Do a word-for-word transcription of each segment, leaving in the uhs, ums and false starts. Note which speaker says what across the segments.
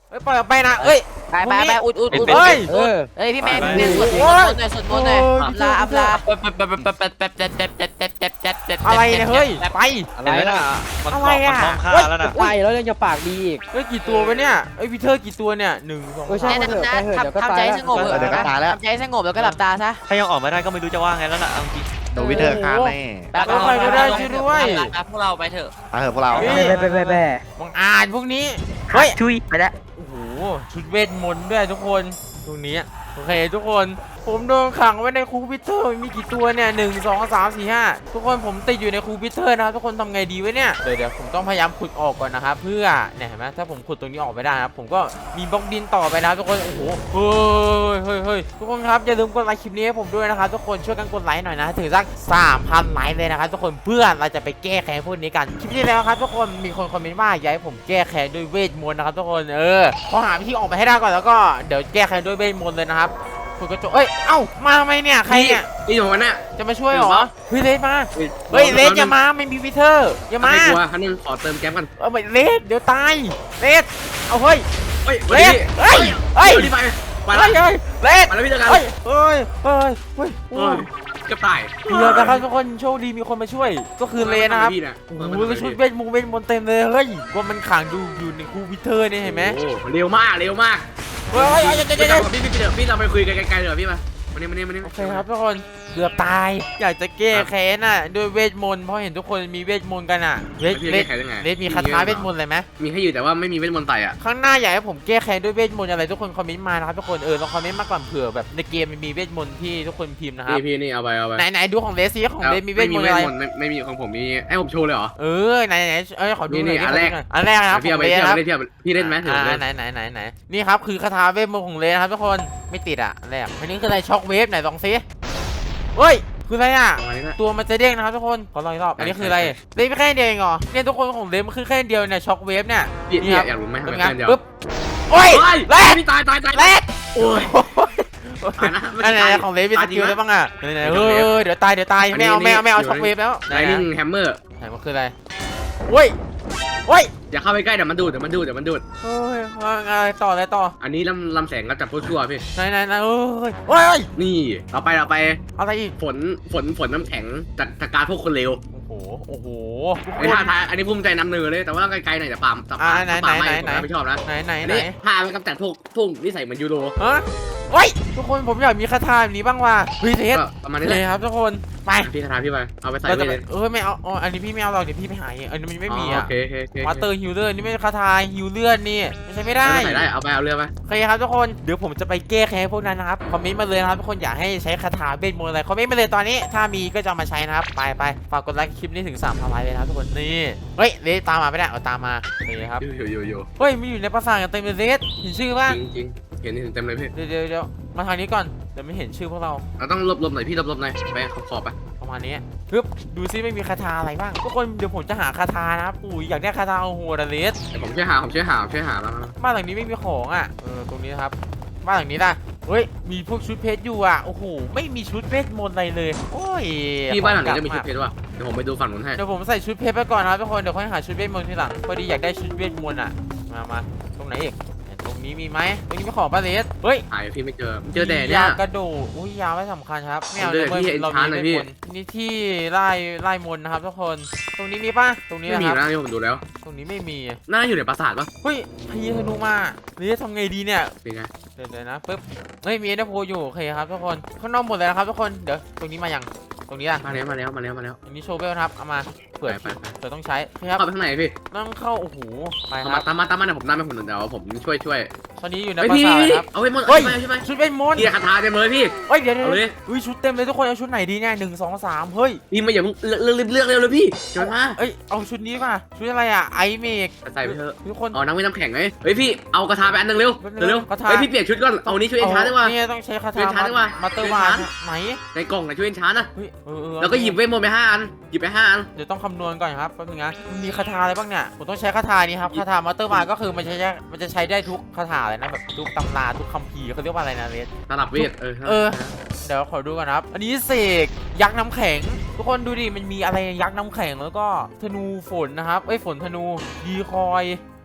Speaker 1: เอ้ยปล่อยออกไปนะเอ้ย
Speaker 2: ไปไปไปอุดอุดอุด
Speaker 1: เฮ้ย
Speaker 2: เออเฮ้ยพี่แมนพี่แมนสวดมนต์หน่อยสวดมนต์หน่อยอับลาอับลา
Speaker 1: อะไรเนี่ยเฮ้ยไป
Speaker 3: อะไรน่ะมัน
Speaker 1: อะไรอะ
Speaker 3: มันมองค่าแล้วน่ะ
Speaker 4: ไปแล้วยังจะปากดีอีก
Speaker 1: เฮ้ยกี่ตัววะเนี่ยเอ้ยพีเตอร์กี่ตัวเนี่ยหนึ่งสอง
Speaker 4: เออใช่
Speaker 1: สาม
Speaker 2: แนะนำนะทำทำใจสงบ
Speaker 3: เดี๋ยวก็ตายแล้ว
Speaker 2: ทำใจสงบแล้วก็หลับตาซะ
Speaker 3: ถ้ายังออกไม่ได้ก็ไม่รู้จะว่าไงแล้วล่ะเอาจริง
Speaker 5: โดนวิเทอร์คานแน่
Speaker 1: ใครก็ได้ช่วยด้วย
Speaker 2: พวกเราไปเถอะ
Speaker 5: ไปเถอะพวกเรา
Speaker 1: เฮ้ย
Speaker 4: ไปไปไปไป
Speaker 1: บังอาจพวกนี้เฮ้ย
Speaker 4: ชุยไปแล้ว
Speaker 1: โอ้โหชุดเวทมนต์ด้วยทุกคนตรงนี้โอเคทุกคนผมโดนขังไว้ในคูปิเตอร์มีกี่ตัวเนี่ยหนึ่งสองสามสี่ห้าทุกคนผมติดอยู่ในคูปิเตอร์นะครับทุกคนทำไงดีวะเนี่ยเดี๋ยวเดี๋ยวผมต้องพยายามขุดออกก่อนนะครับเพื่อเนี่ยเห็นไหมถ้าผมขุดตรงนี้ออกไปได้นะครับผมก็มีบล็อกดินต่อไปนะครับทุกคนโอ้โหเฮ้ยเฮ้ยเฮ้ยทุกคนครับอย่าลืมกดไลค์คลิปนี้ให้ผมด้วยนะครับทุกคนช่วยกันกดไลค์หน่อยนะถึงสักสามพันไลค์เลยนะครับทุกคนเพื่อเราจะไปแก้แค้นพวกนี้กันคลิปนี้แล้วครับทุกคนมีคนคอมเมนต์ว่าอยากให้ผมแก้แค้นด้วยเวทมนต์นะครับทุกคนเออพอหาวิธีออกไปให้ได้ก่อนแล้วก็เดี๋ยวแก้แค้นด้วยเวทมนต์เลยนะครับคุณกระจกเอ้ยเอ้ามาทำไมเนี่ยใครเนี่ย
Speaker 6: นี่อยู่วันน่ะ
Speaker 1: จะมาช่วยเหรอเฮ้ยเลสมาเฮ้ยเลสอย่ามาไม่มีวิเทอร์อย่ามา
Speaker 6: ไม่กลัวคันนึงขอเติมแก๊สกัน
Speaker 1: เออไม่เลสเดี๋ยวตายเลสเอาเฮ้ย
Speaker 6: เฮ้ย
Speaker 1: เลสเฮ้ยเฮ้ย
Speaker 6: รีบไปไป
Speaker 1: เฮ้
Speaker 6: แล้ว
Speaker 1: ยเฮ้ยเลส
Speaker 6: ไปแล้วพี่เจอกัน
Speaker 1: เฮ้ยเฮ้ยเฮ้ยเฮ้ยโอ้ย
Speaker 6: กระต่าย
Speaker 1: เรือนะครับทุกคนโชคดีมีคนมาช่วยก็คือเลสนะครับ
Speaker 6: พี่น่ะ
Speaker 1: โอ้โหแล้วชุดเวทมงเวทมนต์เต็มเลยเฮ้ยว่ามันขังอยู่อยู่ในคูวิเทอร์นี่เห็นไหม
Speaker 6: โอ้เร็วมากเร็วมาก
Speaker 1: เฮ้ยเฮ้ยเฮ้ยเดี๋ยวเดี๋ยวเดี๋ยว
Speaker 6: พี่พี่เดี๋ยวพี่เราไปคุยกันไกลๆเดี๋ยวพี่มาวันนี้วันนี้วันนี้
Speaker 1: โอเคครับทุกคนเกือบตายอยากจะแก้แค้นอ่ะด้วยเวทมนต์เพราะเห็นทุกคนมีเวทมนต์กันอ่ะเลส
Speaker 6: พี่
Speaker 1: เล
Speaker 6: เล่
Speaker 1: ส
Speaker 6: นแข่งยังไง
Speaker 1: เลสมีคาถาเวทมนต์อะไรไหม
Speaker 6: มีให้อยู่แต่ว่าไม่มีเวทมนต์ไต่อ่ะ
Speaker 1: ข้างหน้าอยากให้ผมแก้แค้นด้วยเวทมนต์อะไรทุกคนคอมเมนต์มานะครับทุกคนเออลองคอมเมนต์มาก่อนเผื่อแบบในเกมมันมีเวทมนต์ที่ทุกคนพิมพ์นะครับ
Speaker 6: พี่พี่นี่เอาไปเอาไป
Speaker 1: ไหนไหนดูของเลสซิของเลสมีเวทมนต์อะไร
Speaker 6: ไม่มีของผมมีให้ผมโชว์เลยเหรอ
Speaker 1: เออไหนไหนเอ้ยขอดูหน่อย
Speaker 6: นี่อันแรก
Speaker 1: อันแรกนะครับ
Speaker 6: พี่
Speaker 1: ข
Speaker 6: เอา
Speaker 1: อง
Speaker 6: ไป
Speaker 1: เลส
Speaker 6: เที่ยว
Speaker 1: ครับ
Speaker 6: ไปเที่ยวพี่เล่นไหมถือ
Speaker 1: อ่า
Speaker 6: เล่น
Speaker 1: ไหนไหนไหนไหนนี่ครับคือคาถาเวทมนต์ของเลสนะครับทุกคนไม่ติดอ่ะอันแรกอันนี้คืออะไรช็อคเวฟไหนลองซิเฮ้ยคืออะไรอ่ะ
Speaker 6: ประมาณนี้นะ
Speaker 1: ตัวมันจะเด้งนะครับทุกคนขอลองอีกรอบอันนี้คืออะไรเลสไม่แค่เดียวเองเหรอเนี่ยทุกคนของเลสมันคือแค่เดียวเนี่ยช็อคเวฟเนี่ย
Speaker 6: พี่
Speaker 1: นี่
Speaker 6: พี่
Speaker 1: ครับ
Speaker 6: อยากรู้ไหมทำ
Speaker 1: เป็
Speaker 6: ไม
Speaker 1: นไง
Speaker 6: แค่เดียว
Speaker 1: ปึ๊บโอ้ยเลส
Speaker 6: พี่ตายตายตาย
Speaker 1: เลส
Speaker 6: โอ้ย
Speaker 1: อันไหนๆของเลสมีสกิลได้บ้างอ่ะไหนๆเฮ้ยเดี๋ยวตายเดี๋ยวตายไม่เอาไม่เอาไม่เอาช็อคเวฟแล้ว
Speaker 6: ไลนิ่งแฮมเมอร์
Speaker 1: ไหนมันคืออะไรโอ้ยโอ้ย
Speaker 6: อย่าเข้าไปใกล้เดี๋ยวมันดูดเดี๋ยวมันดูดเดี๋ยวมันดูด
Speaker 1: เฮ้ยอะไรต่ออะไรต่อ
Speaker 6: อันนี้ลำลำแสงกับจับชั่วๆพี่
Speaker 1: ไหนไหนไหนเอ้ยโอ้ย
Speaker 6: นี่เราไปเราไป
Speaker 1: อะไรอีก
Speaker 6: ฝนฝนฝนน้ำแข็งจากจากการพวกคนเร็ว
Speaker 1: โอ้โหโอ้โห
Speaker 6: ไอ้ท่าทางอันนี้ภูมิใจนำเนือเลยแต่ว่าไกลๆหน่อยแต่ปามแต่ปาม
Speaker 1: อ่าไหน
Speaker 6: ปาม
Speaker 1: ไหน
Speaker 6: ไม่
Speaker 1: ไหน
Speaker 6: ผมไม่ชอบนะ
Speaker 1: ไหนไหน
Speaker 6: อัน
Speaker 1: ไหน
Speaker 6: นี้ท่ามันกำจัดพวกพวกนิสัยเหมือนยูโร
Speaker 1: ฮะโอ้ยทุกคนผมอยากมีคาถาแบบนี้บ้างว่ะเฮ้ยเทส
Speaker 6: ก็ประมาณนี้
Speaker 1: เล
Speaker 6: เลย ย
Speaker 1: ครับทุกคนไป
Speaker 6: พี่คาถาพี่ไปเอาไปใส่
Speaker 1: เรา
Speaker 6: ไป
Speaker 1: จะ
Speaker 6: เลย
Speaker 1: เออไม่เอาอ๋ออันนี้พี่ไม่เอาหรอกเดี๋ยวพี่ไปหาเองอันนี้มันไม่มีอ่ะ
Speaker 6: โอเคโอเคโอเค
Speaker 1: มาเตอร์ฮิลเลอร์นี่ไม่ใช่คาถาฮิลเลือดนี่ไม่ใช่ไม่ได้
Speaker 6: ใส่ได้เอาไปเอาเรือไป
Speaker 1: โอเคครับทุกคนเดี๋ยวผมจะไปแก้แค้นพวกนั้นนะครับคอมเมนต์มาเลยนะครับทุกคนอยากให้ใช้คาถาเบสมนต์อะไรคอมเมนต์มาเลยตอนนี้ถ้ามีก็จะเอามาใช้นะครับไปไปฝากกดไลค์คลิปนี้ถึงสามพันไลค์เลยนะครับทุกคนนี่เฮ้ยเลสตามมาไม่ได้เอาตามมานี่ครับ
Speaker 6: อยู่อยู่อยู่
Speaker 1: เฮ้ยมีอยู่ในปราสาทกันเต็มเลยเลสเห็นชื่อป่ะ
Speaker 6: จริงจริงเห็นนี่เต็มเลยพี่
Speaker 1: เดี๋ยวเดี๋ยวเดี๋ยวมาทางนี้ก่อนเดี๋ยวไม่เห็นชื่อพวกเรา
Speaker 6: เราต้องลบลบหน่อยพี่ลบลบหน่อยไปขอบขอบไป
Speaker 1: ประมาณนี้ปึ๊บดูซิไม่มีคาถาอะไรบ้างทุกคนเดี๋ยวผมจะหาคาถานะครับอุ้ยอยากได้คาถาโอ้โหดาเลส
Speaker 6: เดี๋ยวผมช่วยหาผมช่วยหาผมช่วยหาแล้ว
Speaker 1: บ้านหลังนี้ไม่มีของอ่ะเออตรงนี้นะครับบ้านหลังนี้นะเฮ้ยมีพวกชุดเพชรอยู่อ่ะโอ้โหไม่มีชุดเพชรมนต์อะไรเลยโอ้ย
Speaker 6: พี่บ้านหลังนี้จะมี
Speaker 1: ข
Speaker 6: ชุ
Speaker 1: อ
Speaker 6: ด
Speaker 1: ง
Speaker 6: เพชรว่ะเดี๋ยวผมไปดูฝั่งนู้นให้
Speaker 1: เดี๋ยวผมใส่ชุดเพชรไปก่อนนะครับทุกคนเดี๋ยวค่อยหาชุดเวทมนต์ทีหลังพอดีอยากได้ชุดเวทมนต์อ่ะมามาตรงไหนอีกตรงนี้มีไหมตรงนี้มีของปะเลสเฮ้ย
Speaker 6: หายพี่ไม่เจอเจอแต่เนี่ย
Speaker 1: ยากระโดดอุ้ยยาไม่สำคัญครับไม่เอา
Speaker 6: ผมเดินที่
Speaker 1: เรา
Speaker 6: enchant
Speaker 1: มี
Speaker 6: เลยพี่
Speaker 1: เวทมนต์นี่ที่ไล่ไล่มนต์นะครับทุกคนตรงนี้มีป่ะตรงนี้
Speaker 6: ไม่
Speaker 1: นะ
Speaker 6: มี
Speaker 1: ครับ
Speaker 6: นะที่ผมดูแล้ว
Speaker 1: ตรงนี้ไม่มี
Speaker 6: น่าอยู่ในปราสาทปะ
Speaker 1: เฮ้ยพยีธนูมาเลสทำไงดีเนี่ย
Speaker 6: เป็นไง
Speaker 1: เดี๋ยวเดี๋ยวนะปึ๊บเฮ้ยมีเอเดโพอยู่โอเคครับทุกคนข้างนอกหมดเลยนะครับทุกคนเดี๋ยวตรงนี้มายังตรงนี้อ่ะ
Speaker 6: มาแล้วมาแล้วมาแล้วมาแล้ว
Speaker 1: อันนี้โชว์เบลนะครับเอามาเปิด
Speaker 6: ไปไป
Speaker 1: เปิดต้องใช้พี่ครับ
Speaker 6: เข้าไปข้างในพี่
Speaker 1: ต้องเข้าโอ้โหไปค
Speaker 6: เอา
Speaker 1: รั
Speaker 6: มา
Speaker 1: บ
Speaker 6: ตามมาตามมาเดี๋ยวผมนำไปผมเดี๋ยวผมช่วยช่วย
Speaker 1: ตอนนี้อยู่ใน
Speaker 6: เฮ้ย
Speaker 1: ปรา
Speaker 6: พี่
Speaker 1: สาท
Speaker 6: พี่
Speaker 1: ครับ
Speaker 6: เอาไปหมด
Speaker 1: เฮ้ย
Speaker 6: ใช่ไหม
Speaker 1: ชุดเวทมนต์
Speaker 6: พี่คาถาเต็มเลยพี่
Speaker 1: เฮ้ยเดี๋ยวเดี๋ยว
Speaker 6: เอาเลย
Speaker 1: อุ้ยชุดเต็มเลยทุกคนเอาชุดไหนดีเนี่ยหนึ่งสองสามเฮ้ย
Speaker 6: พี่มาอย่าเพิ่งเลือกเลือกเลือกเร็วเลยพี่เชิญมา
Speaker 1: เอ้ยเอาชุดนี้มาชุดอะไรอ่ะไอเมก
Speaker 6: ใส่ไปเถอะ
Speaker 1: ทุกคน
Speaker 6: เอาน้ำไม่น้ำแข็งไหมเฮ้ยพี่เอากระทาไปอันนึงเร็วเร็ว
Speaker 1: กระทา
Speaker 6: เฮ้ยพี่เปลี่ยนชุดก่อนเอานี้ช่วยเอ็นชาร์ได้ว่า
Speaker 1: นี่ต้องใช้คา
Speaker 6: ช่วย
Speaker 1: ถา
Speaker 6: ชาร์จดีกว่า
Speaker 1: มาเตอร์
Speaker 6: ช่ว
Speaker 1: วาย
Speaker 6: ชาร์จ
Speaker 1: ไหน
Speaker 6: ในกล่องนะช่วยเอ็นชาร์นะ
Speaker 1: เฮ้ยเออเออ
Speaker 6: แล้วก็หยิบเวทมนต์ไปห้าอันหยิบไปห้าอัน
Speaker 1: เดี๋ยวต้องคำนวณก่อนครับแป๊บนึงนะมันมีคาถาอะไรบ้างเนี่ยผมต้องใช้คาถานี้ครับคาถามาเตอร์วายก็คือมันใช้ได้มันจะใช้ได้ทุกคาถาเลยนะแบบทุกตำราทุกคัมภีร์เขาเรียกว่าอะไรนะเลส
Speaker 6: สลับเวทเออ
Speaker 1: เออ เดี๋ยวขอดูก่อนนะครับ อันนี้เสกยักษ์น้ำแข็ง ทุกคนดูดิ มันมีอะไรยักษ์น้ำแข็งแล้วก็ธนูฝนนะครับเอ้ยฝนธนูดีคอย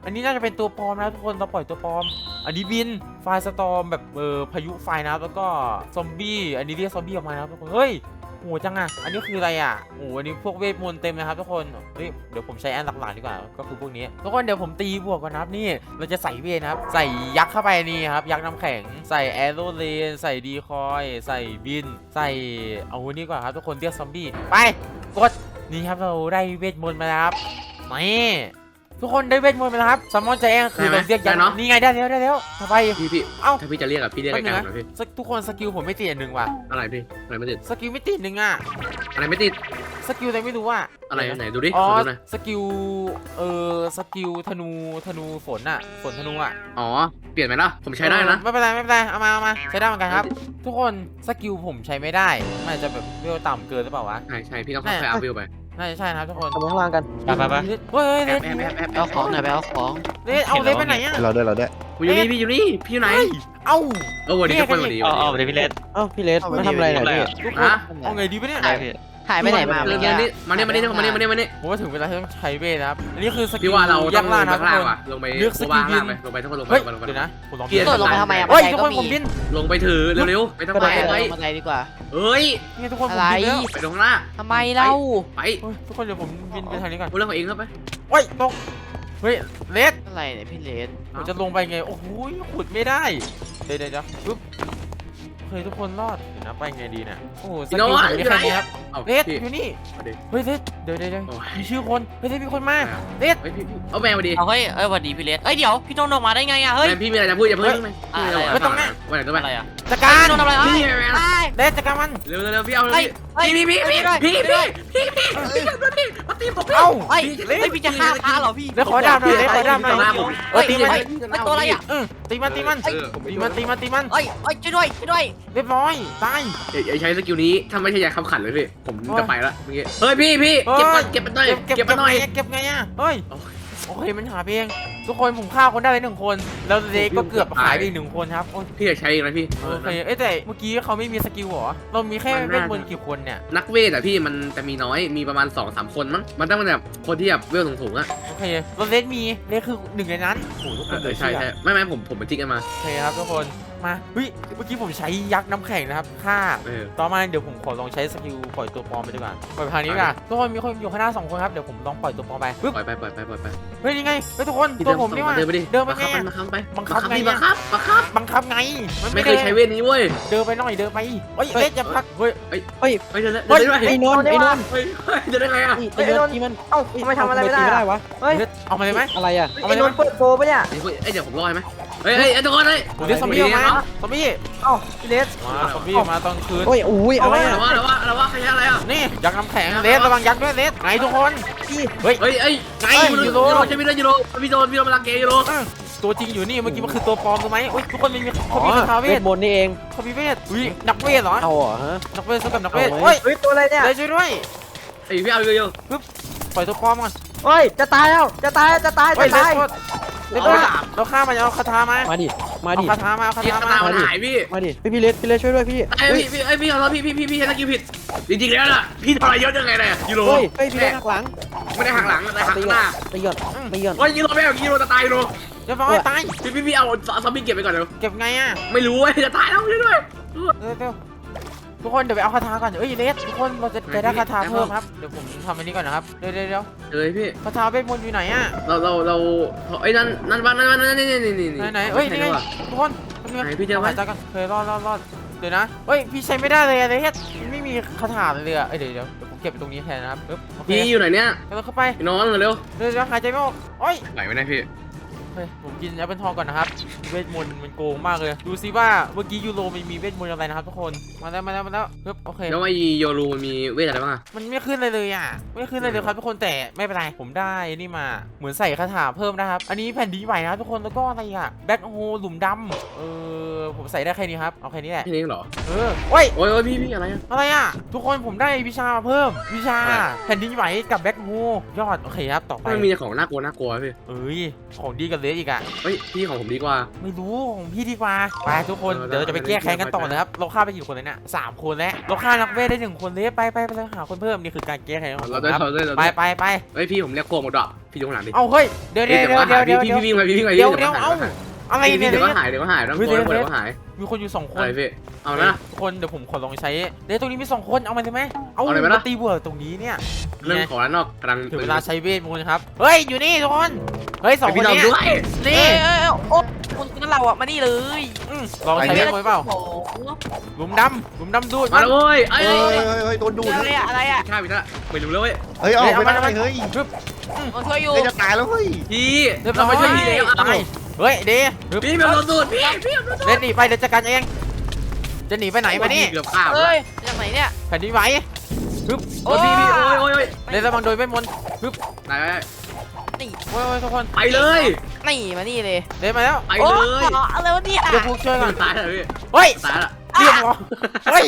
Speaker 1: อันนี้น่าจะเป็นตัวปลอมนะทุกคนเราปล่อยตัวปลอมอันนี้บินไฟสตอมแบบเออพายุไฟนะครับแล้วก็ซอมบี้อันนี้เรียกซอมบี้ออกมานะครับทุกคนเฮ้ยโหจังอะอันนี้คืออะไรอ่ะโอ้อันนี้พวกเวทมนต์เต็มนะครับทุกคนเฮ้ยเดี๋ยวผมใช้อันหลักๆดีกว่าก็คือพวกนี้ทุกคนเดี๋ยวผมตีบวกก่อนนะครับนี่เราจะใส่เวทนะครับใส่ยักษ์เข้าไปนี่ครับยักษ์น้ำแข็งใส่แอโรเลนใส่ดีคอยใส่บินใส่เอาอันนี้ก่อนครับทุกคนเรียกซอมบี้ไปกดนี่ครับเราได้เวทมนต์มาแล้วครับนี่ทุกคนได้เวทมนต์มาแล้วครับซัมมอนใจแองคือเราเรียกยักษ์นี่ไงได้แล้วได้แล้วทำไม
Speaker 6: พี่พี่
Speaker 1: เอ้า
Speaker 6: ถ้าพี่จะเรียกอะพี่เรียกไกลๆหน่อยพี่
Speaker 1: ทุกคนสกิลผมไม่ติดอันหนึ่งว่ะ
Speaker 6: อะไรพี่อะไรไม่ติด
Speaker 1: สกิลไม่ติดหนึ่งอ่ะ
Speaker 6: อะไรไม่ติด
Speaker 1: สกิลอะไรไม่รู้อ่ะ
Speaker 6: อะไรไหนดูดิ
Speaker 1: อ๋อ
Speaker 6: ดูหน่อย
Speaker 1: สกิลเออสกิลธนูธนูฝนอ่ะฝนธนูอ่ะ
Speaker 6: อ๋อเปลี่ยนไหมล่ะผมใช้ได้นะ
Speaker 1: เออไม่เป็นไรไม่เป็นไรเอามาเอามาใช้ได้เหมือนกันครับ ทุกคนสกิลผมใช้ไม่ได้มันอาจจะแบบเวลต่ำเกินหรือเปล่าวะ
Speaker 6: ใช่ใช่พี่ต้องค่อยๆอัพวิวไป
Speaker 1: น่าจะใช่นะครับทุกคน
Speaker 4: ทำข้างล่างกัน
Speaker 3: ไปไปไป
Speaker 1: เฮ้ย
Speaker 6: แอ
Speaker 1: เล็
Speaker 6: บแอบแอบแอบ
Speaker 2: ไปเอาของหน่อยไปเอาของ
Speaker 1: เล็เอาเล็ไปไหนอ่ะ
Speaker 4: เราด้วยเราด้วย
Speaker 6: อยู่นี่พี่อยู่นี่พี่อยู่ไหน
Speaker 1: เอ้า
Speaker 6: เออวันนี้ทุกคนวันนี้
Speaker 3: เอาเอาไปเลยพี่เลส
Speaker 4: เอ้าพี่เลสมาทำอะไรเนี่ยพี่
Speaker 1: ทุกคนเอาไงดีวะเนี่ย
Speaker 3: ได้พี่
Speaker 2: หายไปไหนมา
Speaker 6: เรื่
Speaker 2: เมื่
Speaker 6: อ
Speaker 2: อง กี้
Speaker 6: นี้มาเนี่ยมาเนี่ยมาเนี่ยมาเนี่ยมาเนี่ย
Speaker 1: ผมว่าถึงเวลาที่ต้องใช้เวทนะครับอันนี้คือสกิ
Speaker 6: พี่
Speaker 1: ล
Speaker 6: ว่าเราต้
Speaker 1: ยั
Speaker 6: อง
Speaker 1: กษ์
Speaker 6: ล
Speaker 1: ล่าง
Speaker 6: ง
Speaker 1: นะ
Speaker 6: ไป
Speaker 1: ครับ
Speaker 6: ข้าง
Speaker 1: ทุกคน
Speaker 6: ล่างว่ะลงไป
Speaker 1: เลือกสกิล
Speaker 6: ล่าง
Speaker 1: บิน
Speaker 6: ไปลงไปทุกคนลงไป
Speaker 1: เฮ้ย
Speaker 6: ลงไป
Speaker 1: เดี๋ยวนะผมลอง
Speaker 6: เกียร์
Speaker 2: โดดลงไปทำไมอะ
Speaker 1: เฮ้ย
Speaker 2: บันได
Speaker 1: ทุก
Speaker 2: ก็
Speaker 1: คน
Speaker 2: มี
Speaker 1: ผมบิน
Speaker 6: ลงไปถือเร็วๆไปทำไม
Speaker 2: ไป
Speaker 6: ไป
Speaker 2: บันไดดีกว่า
Speaker 6: เฮ้ย
Speaker 1: นี่ทุกคนผม
Speaker 2: อะไร
Speaker 1: บินแล้ว
Speaker 6: ไปตรงหน้า
Speaker 2: ทำไมเล่า
Speaker 6: ไป
Speaker 1: เฮ้ยทุกคนเดี๋ยวผมบินไปทางนี้ก่อน
Speaker 6: พูดเรื่องของเองเข้าไป
Speaker 1: โอ้ยตกเฮ้ยเลส
Speaker 2: อะไรเนี่ยพี่เลส
Speaker 1: ผมจะลงไปไงโอ้โหขุดไม่ได้เดี๋ยวเดี๋ยวเดี๋ยวปึ๊บเฮ้ยทุกคนรอดเดี๋ยวนะไปไงดีเนี่ยโอ้โหสกิลผมมีแค่นี้ครับ
Speaker 6: เอา
Speaker 1: เลส
Speaker 6: พี่
Speaker 1: อยู่นี่
Speaker 6: เอาดิ
Speaker 1: เฮ้ยเลสเดี๋ยวเดี๋ยวเดี๋ยว
Speaker 6: โอ้ย
Speaker 1: มีชื่อคนเฮ้ยเลสมีคนมาเลส
Speaker 6: เฮ้ยพี่พี่เอาแมวมาดิ
Speaker 2: เอาเฮ้ยเอ้ยสวัสดีพี่เลสเอ้ยเดี๋ยวพี่โดนออกมาได้ไงอะเฮ้ย
Speaker 6: แมวพี่มีอะไรจะพูดอย่าเพิ่งไหม
Speaker 2: อะไรอะ
Speaker 6: ไม่ต้องนะวันไหนต้องไป
Speaker 2: อะไรอะ
Speaker 1: จัดการ
Speaker 2: พี่โดนอะไร
Speaker 6: พี่
Speaker 2: เอ้ย
Speaker 6: แมว
Speaker 2: เอ้ย
Speaker 1: เลสจัดการมัน
Speaker 6: เร็วเร็วพี่เอา
Speaker 2: เฮ้ยเฮ้ย
Speaker 6: พี่พี่พี่พี่พี่พี่พี่พี่พี่พี่มาตีผม
Speaker 1: เอ้า
Speaker 2: เฮ้ยเฮ้ยพี่จะฆ่าพระเหรอพี่
Speaker 1: เลสขอดาบหน่อยเลสขอดาบหน่อย
Speaker 2: เฮ้ย
Speaker 1: ตีมัน
Speaker 2: เฮ้ยเฮ้ยตัวอะไรอะ
Speaker 1: เออตีมันตีมัน
Speaker 6: เออ
Speaker 1: ตีมันตีมันตีมัน
Speaker 2: เฮ้ยเฮ้ยช่วยด้วยช่วยด้วย
Speaker 1: เรียบร้อยตาย
Speaker 6: อย่าใช้สกิลนี้ถ้าไม่ใช่ยาคำขันเลยพี่ผมจะไปละเมื่อกี้เฮ้ยพี่พี่เก็บเก็บมันหน่อย
Speaker 1: เก็บ
Speaker 6: เก็บมันหน่อย
Speaker 1: เก็บไงอ่ะเฮ้ย
Speaker 6: โอ้ย
Speaker 1: โอเคมันหาเองทุกคนผมฆ่าคนได้ไปหนึ่งคนแล้วเลสก็เกือบหายไปอีกหนึ่งคนครับโอ้ย
Speaker 6: พี่จะใช้อีกนะพี่
Speaker 1: โอเคเอ้ยแต่เมื่อกี้เขาไม่มีสกิลเหรอเรามีแค่เวทมนต์กี่คนเนี่ย
Speaker 6: นักเวทอะพี่มันจะมีน้อยมีประมาณสองสามคนมั้งมันต้องเป็นแบบคนที่แบบเวลสูงๆอะ
Speaker 1: โอเคเราเลสมีเลสคือหนึ่งในนั้นโอ้โหทุกคน
Speaker 6: เอ
Speaker 1: เล
Speaker 6: อย ใช่
Speaker 1: เชื่อ
Speaker 6: ใช่ไม่ไม่ผมผมไปจิ๊กกันมา
Speaker 1: โอเคครับทุกคนมาเฮ้ยเมื่อกี้ผมใช้ยักษ์น้ำแข็งนะครับฆ่า
Speaker 6: เออ
Speaker 1: ต่อมาเดี๋ยวผมขอลองใช้สกิลปล่อยตัวปลอมไปดีกว่าปล่อยไปทางนี้ดีกว่าทุกคนมีคนอยู่ข้างหน้าสองคนครับเดี๋ยวผมลองปล่อยตัวปลอมไปปึ๊บ
Speaker 6: ปล่อยไปปล่อยไปปล่อยไป
Speaker 1: เฮ้ยยังไงเฮ้ยทุกคนตัวผมนี่ว่า
Speaker 6: เดินไปดิ
Speaker 1: เดินไปไง
Speaker 6: บังคับไป
Speaker 1: บังคับไง
Speaker 6: บังคับบังคับ
Speaker 1: บังคับไงมัน
Speaker 6: ไม่
Speaker 1: ไม่
Speaker 6: เค
Speaker 1: ได้
Speaker 6: ยใช้เวทนี้เว้ย
Speaker 1: เดินไปหน่อยเดินไปเฮ้ยเลสจะพักเฮ้ย
Speaker 6: เฮ้ยเดินได้
Speaker 1: เฮ้ย
Speaker 6: เดินได้
Speaker 4: ไอ้นนท์ไอ้นนท์
Speaker 6: เฮ้ยเฮ้ยเดินได้ไงอะ
Speaker 4: ไอ้นนท์ที่มัน
Speaker 5: เอ้าทำไมทำอะไรไม่ได้
Speaker 4: ไม่
Speaker 5: อะ
Speaker 4: ได้วะ
Speaker 5: เฮ้ย
Speaker 1: เลสเอามาเลยไหม
Speaker 4: อะไรอ่ะ
Speaker 1: เอา
Speaker 5: ไอ้
Speaker 1: มาเลย
Speaker 5: น
Speaker 1: ไหม
Speaker 5: นท์เปิดโฟปะเนี่ย
Speaker 6: เฮ้ยเอ้ยเดี๋ยวผมรอให้ไหมเฮ้ยเฮ้ยไอ้ทุกคนเฮ้ย
Speaker 1: ผมเรียกซอมบี้ออกมาซอมบี้
Speaker 5: เอ้าพี่เลส
Speaker 1: มาซอมบี้ออกมาตอนคืน
Speaker 4: โอ้ยอุ้ยอะไร
Speaker 6: อะไร
Speaker 4: อ่ะ
Speaker 6: วะอะไรวะอะไรวะใครใช้อะไรอ่ะ
Speaker 1: นี่ยักษ์น้ำแข็งเลสระวังยักษ์ด้วยเลสไงทุกคนเฮ้ย
Speaker 6: เฮ้ยเอ้ย
Speaker 1: ไง
Speaker 6: ยู
Speaker 1: ยู
Speaker 6: โร
Speaker 1: โร
Speaker 6: ใช่ไหมยูโรพี่โดนพี่โดนมาลังเกยูโร
Speaker 1: อื้อตัวจริงอยู่นี่เมื่อกี้มันคือตัวปลอมถูกไหมโอ้ยทุกคนมี
Speaker 4: อ๋
Speaker 1: เขา
Speaker 4: อ
Speaker 1: มีคาถาเว
Speaker 4: เว
Speaker 1: ท
Speaker 4: ทมนต์นี่เอง
Speaker 1: เขามีเวทอุ้ยนักเวทเหรอ
Speaker 4: เอาเหรอฮะ
Speaker 1: นักเวทสู้กับนักเวท
Speaker 4: เอาไหม
Speaker 1: เฮ้ย
Speaker 5: เฮ้ยตัวอะไรเนี่ย
Speaker 1: เลสช่วยด้วย
Speaker 6: ไอ้พี่เอาอยู่อยู่
Speaker 1: ปล่อยตัวปลอมก่อน
Speaker 5: เฮ้ยจะตายแล้วจะตายจะตาย
Speaker 1: เฮ้
Speaker 5: จะ
Speaker 1: ยเลส
Speaker 5: ตาย
Speaker 1: โทษเลสโทษเราฆ่ามันเอาคาถามา
Speaker 4: มาดิมา
Speaker 1: เอา
Speaker 4: ดิ
Speaker 1: คาถามาเอาคา
Speaker 6: พี่
Speaker 1: ถา
Speaker 6: ตา
Speaker 1: มา
Speaker 6: มันหายพี่
Speaker 4: มาดิพี่พี่เลสพี่เลสช่วยด้วยพี่
Speaker 6: ไอ้พี่พี่ไอ้พี่เอาแล้วพี่พี่พี่พี่ใช้สกิลผิดจริงๆแล้วล่ะพี่ทรยศยังไงเนี่ยยูโร
Speaker 4: เฮ้ยเฮ้ยพี่เลสหักหลัง
Speaker 6: ไม่ได้หักหลังแต่หักหน้า
Speaker 4: ตีก่อนตีก่อน
Speaker 6: เฮ้ยยูโรไม่เอายูโรจะตายยูโร
Speaker 1: เรียบร้อยตาย
Speaker 6: พี่พี่พี่เอาซอมบี้เก็บไปก่อนเดี๋ยว
Speaker 1: เก็บไงอ่ะ
Speaker 6: ไม่รู้เว้ยจะตายแล้วช่วยด้วย
Speaker 1: เร็วเร็วทุกคนเดี๋ยวไปเอาคาถาก่อนเอ้ยเลสทุกคนเราจะจะได้คาถาเพิ่มครับเดี๋ยวผมทำอันนี้ก่อนนะครับเดี๋ยวเดี๋ยวเดี๋ยว
Speaker 6: เฮ้ยพี่
Speaker 1: คาถาเวทมนต์อยู่ไหนอ่ะ
Speaker 6: เราเราเราไอ้นั่นนั่นบ้านนั่นบ้านนั่นนี่นี่นี่
Speaker 1: ไหนไหนเอ้ยนี่ไงทุกคนเป็นไง
Speaker 6: ไหนพี่เจอไหม
Speaker 1: หายใจกันเคยรอดรอดรอดเดี๋ยวนะเฮ้ยพี่ใช้ไม่ได้เลยอะไรเฮ็ดไม่มีคาถาเลยอะเอ้ยเดี๋ยวเดี๋ยวเดี๋ยวผมเก็บไปตรงนี้แทนนะครับปึ๊บโอเค
Speaker 6: พี่อยู่ไหนเนี่ย
Speaker 1: กำลังเข้าไป
Speaker 6: พี่นอนเร็ว
Speaker 1: เดี๋ยวเดี๋ยวหายใจไม่ออกโอ้ย
Speaker 6: ไหวไม่ได้พี่
Speaker 1: เฮ้ยผมกินแอปเปิลทองก่อนนะครับเวทมนต์มันโกงมากเลยดูซิว่าเมื่อกี้ยูโรมันมีเวทมนต์อะไรนะครับทุกคนมาแล้วมาแล้วมาแล้วปึ๊บโอเค
Speaker 6: แล้วไอ้โยรูมันมีเวทอะไรบ้างอะ
Speaker 1: มันไม่ขึ้นเลยเลยอ่ะไม่ขึ้นเลยเลยครับทุกคนแต่ไม่เป็นไรผมได้นี่มาเหมือนใส่คาถาเพิ่มนะครับอันนี้แผ่นดินไหวนะครับทุกคนแล้วก็อะไรอ่ะแบ็คโฮหลุมดำเอออผมใส่ได้แค่นี้ครับเอาแค่นี้แหละ
Speaker 6: แค่นี้เหรอ
Speaker 1: เออโอ้ย
Speaker 6: โอ้ยโอ้ยพี่พี่อะไรอะ
Speaker 1: อะไรอ่ะทุกคนผมได้วิชามาเพิ่มวิชา
Speaker 6: อะไร
Speaker 1: แผ่นดินไหวกับแบ็คโฮยอดโอเคครับต่อไป
Speaker 6: มันมีแต่ของน่ากลัวน่ากลัวพี่
Speaker 1: เอ้ยของดีกันเลยอีกอ่ะ
Speaker 6: เฮ้ยพี่ของผมดีกว่า
Speaker 1: ไม่รู้ของพี่ดีกว่าไปทุกคน
Speaker 6: เออ
Speaker 1: เดี๋ยวเราจะไปแก้แค้นกันต่อนะครับเราฆ่าไปกี่คนเลยเนี่ยสามคนแล้วเราฆ่านักเวทได้หนึ่งคนเลยไปไปไปเลยหาคนเพิ่มนี่คือการแก้แค้นของผ
Speaker 6: เรา
Speaker 1: ม
Speaker 6: ได้
Speaker 1: ครับ
Speaker 6: เราได้เรา
Speaker 1: ไป
Speaker 6: ได้
Speaker 1: ไปไป
Speaker 6: เฮ้ยพี่ผมเรียกโคมดอกพี่ดูข้างหลังดิ
Speaker 1: เอาเฮ้ยเดี๋ยวเดี๋ยวเดี๋ยวเดี๋ยวเดี๋ยว
Speaker 6: พี่
Speaker 1: เดี๋ยว
Speaker 6: พี่วิ่งไปพี่วิ่งไป
Speaker 1: เดี๋ยว
Speaker 6: พี่
Speaker 1: เดี๋ยวเอาอะไร
Speaker 6: พี่
Speaker 1: เนี่ย
Speaker 6: เดี๋ยว
Speaker 1: เนี่
Speaker 6: ก็
Speaker 1: ย
Speaker 6: หายเดี๋ยวก็หายต้อง
Speaker 1: เฮ้ย
Speaker 6: โกน
Speaker 1: เดี๋ยว
Speaker 6: เดี๋ยวก็หาย
Speaker 1: มีคนอยู่สองคน
Speaker 6: อะไรพี่เอา
Speaker 1: เฮ้ย
Speaker 6: นะ
Speaker 1: ทุกคนเดี๋ยวผมขอลองใช้เดี๋ยวตรงนี้มีสองคนเอามาเลยไหมเอา
Speaker 6: เอาเลยไหม
Speaker 1: มา
Speaker 6: ล่ะ
Speaker 1: ตีบัวตรงนี้เนี่ย
Speaker 6: เรื่องของร้านนอกกำลัง
Speaker 1: ถึงเวลาใช้เวทมนต์ครับเฮ้ยอยู่นี่ทุกคนเฮ้ยสองคน
Speaker 6: พี่เรา
Speaker 1: เนี้
Speaker 6: ด้วย
Speaker 2: เอ้
Speaker 1: นี่
Speaker 2: ยเอ้ยเอ้ยโอ้คุณคุณเราอะมานี่เลย
Speaker 1: อืมลองใช้เวทมนต์เปล่า
Speaker 2: โอ้โห
Speaker 1: หลุมดำหลุมดำดูด
Speaker 6: มาแล้วเว้ยเอ้ย
Speaker 7: เฮ้ยเฮ้ยเฮ้ยโดนดูด
Speaker 2: อะไรอะอะไรอะ
Speaker 6: ข้าพี่ท่าไม่รู้แล้วเว้ย
Speaker 7: เฮ้ยเอาไปได้เฮ้ย
Speaker 1: ปึ๊บ
Speaker 2: มาช่วยอยู่
Speaker 7: เฮ้ยจะตายแล้วเฮ้ย
Speaker 6: พี่
Speaker 1: เรียบร้
Speaker 6: เรา
Speaker 1: อย
Speaker 6: มาช่วยพี่แล้ว
Speaker 1: ตายเฮ้ยเดย์ปึ๊บ
Speaker 6: พี่แบบโดนดูดพี่พี่แบบโดนดูด
Speaker 1: เล่นหนีไปเดี๋ยวจัดการเองจะหนีไปไหนมานี่
Speaker 6: เกือบข้าม
Speaker 2: เอ้ยจากไหนเนี่ย
Speaker 1: แผ่นดินไหวปึ๊บ
Speaker 6: โอ้ยพี่พี่โอ้ยโอ้ยโอ้ย
Speaker 1: เล่นระวังโดยเวทมนต์ปึ๊บ
Speaker 6: ไหน
Speaker 2: นี่
Speaker 1: โอ้ยโอ้ยทุกคน
Speaker 6: ไปเลย
Speaker 2: นี่มานี่เลย
Speaker 1: เล่นมาแล้ว
Speaker 6: ไป
Speaker 2: โอ้
Speaker 6: เลย
Speaker 2: อะไรวะเนี่ย
Speaker 1: เดี๋ยวพวกช่วยก่อน
Speaker 6: ตายแล้วพี่
Speaker 1: เฮ้ย
Speaker 6: ตายแล้ว
Speaker 1: เรียบร้อยเฮ้ย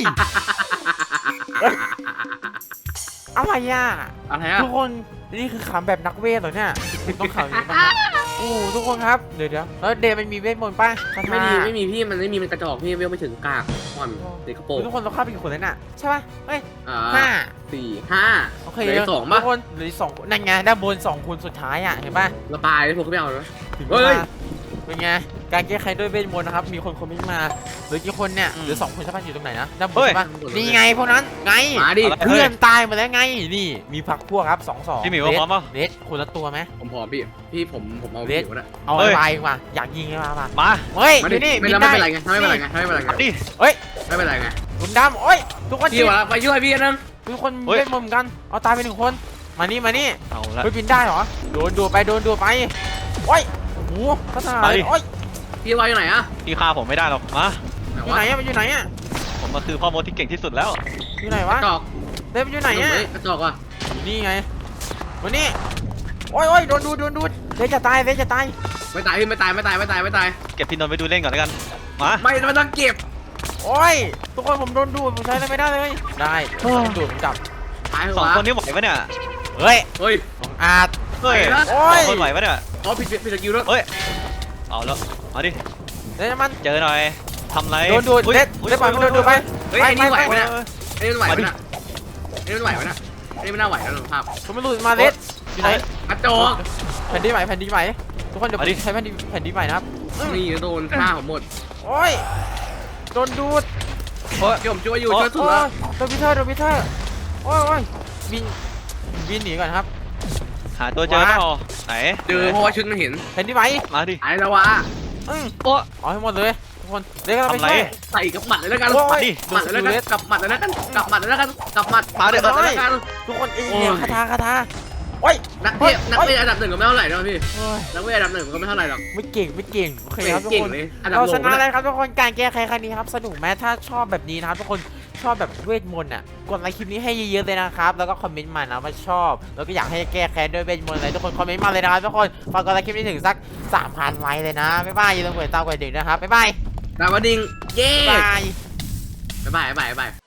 Speaker 1: อะไรอ่ะ
Speaker 6: อะไรอะ
Speaker 1: ทุกคนนี่คือขำแบบนักเวทเหรอเนี่ยต้องขำอย่างนี้ป่ะโอ้ทุกคนครับเดี๋ยวเดี๋ยวแล้วเดย์มันมีเวทมนต์ป่ะคาถา
Speaker 6: ไม่มีไม่มีพี่มันไม่มีมันกระจอกพี่เวลไม่ถึงกากอ่อนเด็กกระโปรง
Speaker 1: ทุกคนเราฆ่าไปกี่คนแล้วน่ะใช่ป่ะเฮ้ย
Speaker 6: อ่า
Speaker 1: ห้า
Speaker 6: สี่ห้า
Speaker 1: โอเค
Speaker 6: เหลือสอง
Speaker 1: ทุ
Speaker 6: ป่ะ
Speaker 1: กคนเหลืออกสองคนนั่นไงด้านบนสองคนสุดท้ายอ่ะเห็นป่ะ
Speaker 6: ระบายเลยพวกเขาไม่เอาเลย
Speaker 1: ถึง
Speaker 6: เฮ้
Speaker 1: เวย ลาเป็นไงการแก้ไขด้วยเวทมนต์นะครับมีคนคอมเมนต์มาเหลือกี่คนเนี่ยเหลือสองคนใช่ป่ะอยู่ตรงไหนนะด้านบนใช่ป่ะนี่ไงพวกนั้นไง
Speaker 6: มาดิ
Speaker 1: เพื่อนตายหมาแล้วไงนี่มีพักพวกครับสองสอง
Speaker 3: พี่หมิวพร้อมป่ะ
Speaker 1: เลสคนละตัวไหม
Speaker 6: ผมพอพี่พี่ผมผมเอา
Speaker 1: เล็
Speaker 6: พี่
Speaker 1: ก
Speaker 6: อยู่นะ
Speaker 1: เอา
Speaker 3: เฮ้ย
Speaker 1: ไปมาอยากยิงไงมามา
Speaker 3: มา
Speaker 1: เฮ้ย
Speaker 6: มา
Speaker 1: อ
Speaker 6: ดิ
Speaker 1: ยู่นี่
Speaker 6: ไม่
Speaker 1: บิน
Speaker 6: แล้ว
Speaker 1: ได้
Speaker 6: ไม่เป็นไรไงไม่เป็นไรไงไม่เป็นไรไง
Speaker 3: ดิ
Speaker 1: เฮ้ย
Speaker 6: ไม่เป็นไรไง
Speaker 1: หลุมดำโอ้ยทุกคน
Speaker 6: พี่วะไปช่วยพี่นึง
Speaker 1: ทุกคน
Speaker 3: เฮ้ย
Speaker 1: เล่นมุมกันเอาตายไปหนึ่งคนมานี่มานี่
Speaker 3: เอาละ
Speaker 1: เฮ้ยบินได้เหรอโดนดูไปโดนดูไปโอ้ยโอ้โหพัฒนา
Speaker 3: ไปดิ
Speaker 1: โอ้ย
Speaker 6: พี่วาอยู่ไหนอะ
Speaker 3: พี่ฆ่าผมไม่ได้หรอกมา
Speaker 6: ไหน
Speaker 1: อยู่
Speaker 6: วะ
Speaker 1: ไหนอะมันอยู่ไหนอะ
Speaker 3: ผมมาคือพ่อมดที่เก่งที่สุดแล้ว
Speaker 1: อยู่ไหน
Speaker 6: ก
Speaker 1: วะ
Speaker 6: ระจอก
Speaker 1: เล่นมันอยู่ไหนอะ
Speaker 6: เฮ้ยกระจอกว่ะ
Speaker 1: อยู่นี่ไงวันนี้โอ้ยโอ้ยโดนดูโดนดูเลสจะตายเลสจะตาย
Speaker 6: ไม่ตายพี่ไม่ตายไม่ตายไม่ตายไม่ตาย
Speaker 3: เก็บพี่นนท์ไปดูเล่นก่อนแล้วกันมา
Speaker 6: ไม่ไม่ต้องเก็บ
Speaker 1: โอ้ยทุกคนผมโดนดูดผมใช้อะไรไม่ได้เลยได้โดนดูดผมจับ
Speaker 6: ตายเหร
Speaker 3: สอง
Speaker 6: วะ
Speaker 3: คนนี้ไหวปะเนี่ย
Speaker 1: เฮ้ย
Speaker 6: เฮ้ย
Speaker 1: ของอาร์ต
Speaker 3: เฮ้ย
Speaker 6: ไหวนะ
Speaker 1: โอ้ย
Speaker 3: สองคนไหวปะเนี่ย
Speaker 6: อ๋อผิดผิดสกิลด้วย
Speaker 3: เฮ้ยเอาแล้วมาดิ
Speaker 1: เลสมัน
Speaker 3: เจอหน่อยทำไร
Speaker 1: โดนดูด
Speaker 3: อุ๊ย
Speaker 1: เลส
Speaker 3: อุ๊ย
Speaker 1: เลสปล่อยมันโดนดูดไป
Speaker 6: เฮ้ยไอ้นี่ไหวไหม
Speaker 1: ไป
Speaker 6: เนี่ยไอ้นี่ไหวไหมเนี่ยไอ้นี่ไหวไหมเนี่ยไอ้นี่ไม่น่าไหวแล้วภาพ
Speaker 1: ผมไม่รู้มาเลสอยู่ไหน
Speaker 6: กระจอก
Speaker 1: แผ่นดินไหวแผ่นดินไหวทุกคนเดี๋ยวผมใช้แผ่นดินแผ่นดินไหวนะครับ
Speaker 6: นี่โดนฆ่าผมหมด
Speaker 1: โอ้ยโดนดูด
Speaker 3: โอ้ย
Speaker 6: พี่ผมช่วยอยู่
Speaker 3: โอ้
Speaker 6: ช่วยสุด
Speaker 1: โอ้
Speaker 6: ละ
Speaker 1: ยโดนพิเทอร์โดนพิเทอร์โอ้ยโอ้ยบินบินหนีก่อนครับ
Speaker 3: หาตัวเจอเปล่าไหน
Speaker 6: เจอเพราะว่าชุดมันเห็น
Speaker 1: แผ่นดินไหว
Speaker 3: มาดิ
Speaker 6: ไอ้ละวะ
Speaker 1: อืม
Speaker 3: โอ้
Speaker 1: เอาให้หมดเลยทุกคนเดี๋ยวเราไป
Speaker 3: ทำไร
Speaker 1: ช่วย
Speaker 6: ใส่กับหมัดเลยแล้วกัน
Speaker 1: โอ้
Speaker 3: มาย ดิ
Speaker 6: หมัดเลยแล้วกันกับหมัดเลยแล้วกันกับหมัดเลยแล้วกันกับหมัด
Speaker 3: มาเดี๋ยว
Speaker 6: หมัดเลยแล้วกัน
Speaker 1: ทุกคนเอ้ย
Speaker 6: โอ้ย
Speaker 1: คาถาคาถาโอ้ย
Speaker 6: นักเทพนักเวทอันดับหนึ่งก็ไม่เท่าไหร่นะพี่
Speaker 1: โอ้ย
Speaker 6: นักเวทอันดับหนึ่งก็ไม่เท่าไหร่หรอก
Speaker 1: ไม่เก่งไม่เก่งโอเคครับทุก
Speaker 6: เก่ง
Speaker 1: คน
Speaker 6: เลยอันดับ
Speaker 1: เรา
Speaker 6: โล
Speaker 1: ช
Speaker 6: ก
Speaker 1: นะ
Speaker 6: นะ
Speaker 1: เลยครับทุกคนการแก้ไขครั้งนี้ครับสนุกไหมถ้าชอบแบบนี้นะครับทุกคนชอบแบบเวทมนต์อ่ะกดไลค์คลิปนี้ให้เยอะๆเลยนะครับแล้วก็คอมเมนต์มานะว่าชอบแล้วก็อยากให้แก้แค้นด้วยเวทมนต์อะไรทุกคนคอมเมนต์มาเลยนะครับทุกคนฝากกดไลค์คลิปนี้ถึงสัก สามพัน ไลค์เลยนะบ๊ายบายอย่าลืมกดติดตามกดกระดิ่งนะครับบ๊ายบาย
Speaker 6: ดาวดิงเย้
Speaker 1: บ๊ายบาย
Speaker 6: บ๊ายบายบ๊ายบาย